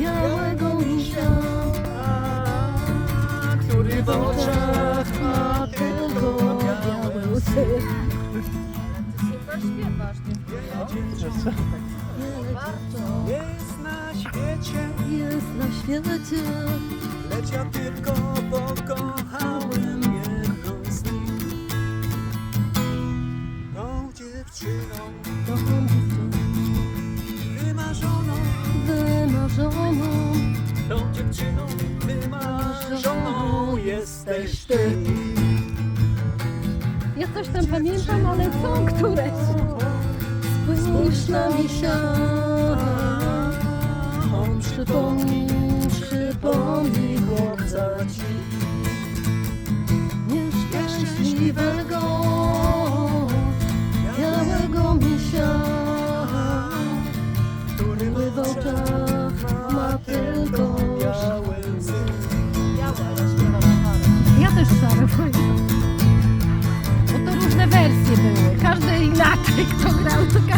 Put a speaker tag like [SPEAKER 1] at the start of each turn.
[SPEAKER 1] białego misia,
[SPEAKER 2] który w oczach ma
[SPEAKER 1] tylko białe łzy.
[SPEAKER 3] Super śpiewasz,
[SPEAKER 2] jest na świecie,
[SPEAKER 1] Jest na świecie,
[SPEAKER 2] lecz ja tylko pokochałem jedną z nich. Tą dziewczyną wymarzoną,
[SPEAKER 1] wymarzoną.
[SPEAKER 2] tą dziewczyną wymarzoną jesteś ty.
[SPEAKER 1] Ja coś tam pamiętam, ale są któreś. Spójrz na misia, on przypomni chłopca ci nieszczęśliwego, białego misia, który w oczach ma tylko
[SPEAKER 2] białe łzy.
[SPEAKER 1] Ja też szare pamiętam. Bo to różne wersje były. Każdy inaczej, kto grał, to